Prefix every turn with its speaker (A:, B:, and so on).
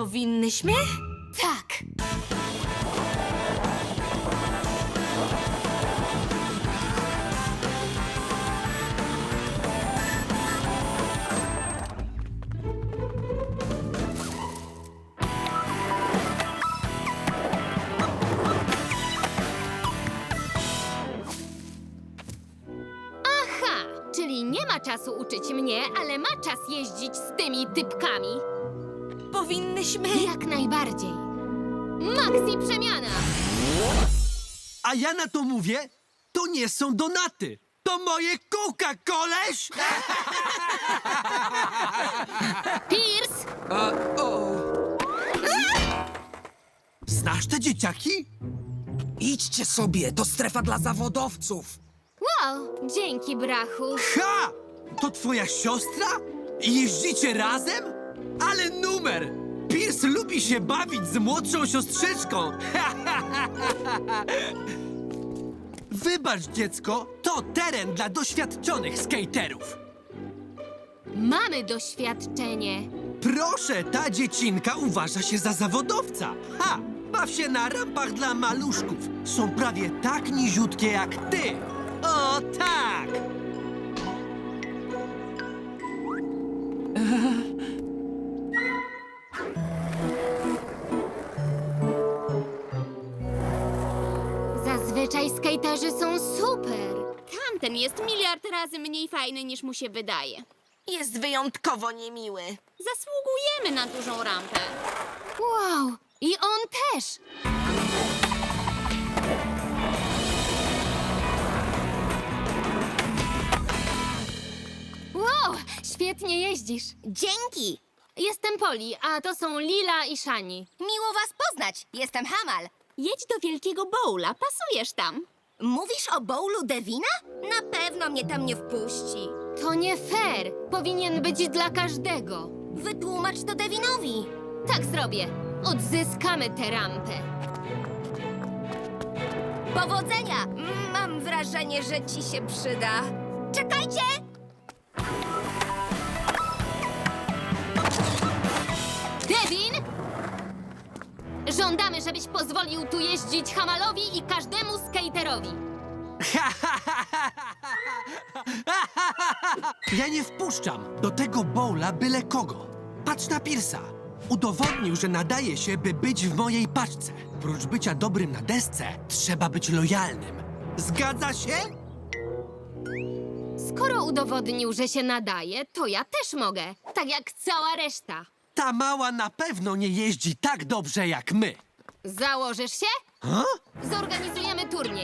A: Powinnyśmy?
B: Tak.
C: Aha, czyli nie ma czasu uczyć mnie, ale ma czas jeździć z tymi typkami.
A: Powinnyśmy?
C: Jak najbardziej. Maxi przemiana!
D: A ja na to mówię, to nie są donaty. To moje kółka, koleś!
C: Pierce!
D: Znasz te dzieciaki?
E: Idźcie sobie, to strefa dla zawodowców.
C: Wow, dzięki, brachu.
D: Ha! To twoja siostra? I jeździcie razem? Ale numer! Pierce lubi się bawić z młodszą siostrzyczką. Wybacz, dziecko, to teren dla doświadczonych skaterów.
C: Mamy doświadczenie.
D: Proszę, ta dziecinka uważa się za zawodowca. Ha! Baw się na rampach dla maluszków. Są prawie tak niziutkie jak ty. O tak!
C: Zazwyczaj skaterzy są super.
F: Tamten jest miliard razy mniej fajny niż mu się wydaje.
A: Jest wyjątkowo niemiły.
F: Zasługujemy na dużą rampę.
C: Wow, i on też. Wow, świetnie jeździsz.
B: Dzięki.
C: Jestem Poli, a to są Lila i Shani.
B: Miło was poznać. Jestem Hamal.
F: Jedź do wielkiego bowla, pasujesz tam.
B: Mówisz o bowlu Devina? Na pewno mnie tam nie wpuści.
C: To nie fair. Powinien być dla każdego.
B: Wytłumacz to Devinowi.
C: Tak zrobię. Odzyskamy tę rampę.
B: Powodzenia! Mam wrażenie, że ci się przyda. Czekajcie!
C: Devin! Żądamy, żebyś pozwolił tu jeździć Hamalowi i każdemu skaterowi.
D: Ja nie wpuszczam do tego bowla byle kogo. Patrz na Pierce'a. Udowodnił, że nadaje się, by być w mojej paczce. Prócz bycia dobrym na desce, trzeba być lojalnym. Zgadza się?
C: Skoro udowodnił, że się nadaje, to ja też mogę. Tak jak cała reszta.
D: Ta mała na pewno nie jeździ tak dobrze jak my.
C: Założysz się?
D: Ha?
C: Zorganizujemy turniej.